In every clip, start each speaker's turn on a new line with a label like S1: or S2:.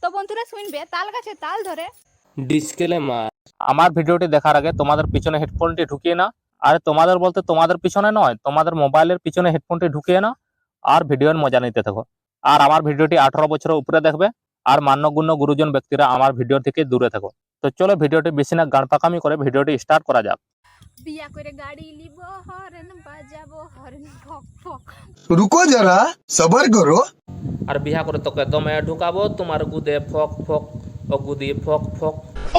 S1: বন্ধুরা শুনবে তাল গাছে তাল ধরে।
S2: ডিসক্লেমার, আমার ভিডিওটি দেখার আগে তোমাদের পিছনে হেডফোনটি ঢুকিয়ে না, আর তোমাদের বলতে তোমাদের পিছনে নয়, তোমাদের মোবাইলের পিছনে হেডফোনটি ঢুকিয়ে না আর ভিডিওর মজা নিতে থাকো। আর আমার ভিডিওটি 18 বছরের উপরে দেখবে, আর মান্যগণ্য গুরুজন ব্যক্তিরা আমার ভিডিও থেকে দূরে থাকো। তো চলো ভিডিওটি বেশি না গান পাকামি করে ভিডিওটি স্টার্ট করা যাক।
S1: বিয়া করে গাড়ি লিব, হরেন বাজাবো, হরেন ফক ফক।
S3: रुको जरा सबर करो।
S2: আর বিহা করে তোকে দমে ঢুকাবো, তোমার গুদে ফক ফক, ও গুদি ফক ফক।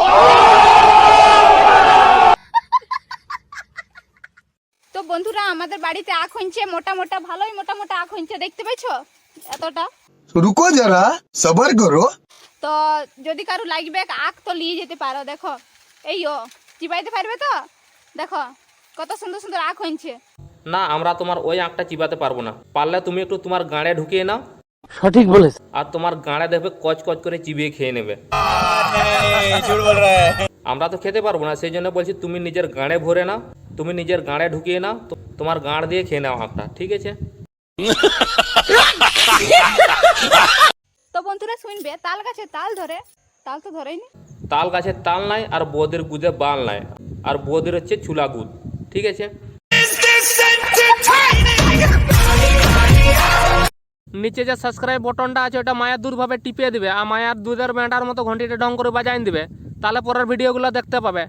S1: তো বন্ধুরা আমাদের বাড়িতে আখ হইছে, মোটা মোটা, ভালোই মোটা মোটা আখ হইছে, দেখতে পাইছো এতটা।
S3: रुको जरा सबर करो।
S1: তো যদি কারো লাগবে আখ তো নিয়ে যেতে পারো। দেখো এই ও চিবাইতে পারবে তো, দেখো কত সুন্দর সুন্দর আখ হইছে।
S2: না, আমরা তোমার ওই আঁকটা চিবাতে পারবো না, পারলে তুমি একটু তোমার গাঁড়ে ঢুকিয়ে নাও,
S4: সঠিক বলেছ।
S2: আর তোমার গাঁড়ে দেখবে কচ কচ করে চিবিয়ে খেয়ে নেবে। আমরা তো খেতে পারবো না, সেই জন্য বলছি তুমি নিজের গাঁড়ে ভরে নাও, তুমি নিজের গাঁড়ে ঢুকিয়ে নাও, তোমার গাঁড় দিয়ে খেয়ে নাও আঁকটা, ঠিক আছে?
S1: তো বন্ধুরা শুনবে তাল গাছে তাল ধরে, তাল তো ধরেইনি।
S2: তাল গাছের তাল নাই, আর বৌদের গুদে বাল নাই, আর বৌদের হচ্ছে চুলা গুদ, ঠিক আছে? নিচে যে সাবস্ক্রাইব বটনটা আছে ওটা মায়ের দুধ ভাবে টিপে দিবে, আর মায়ের দুধের ব্যাটার মতো ঘন্টিটা ঢং করে বাজাইন দিবে, তাহলে পরের ভিডিওগুলো দেখতে পাবে।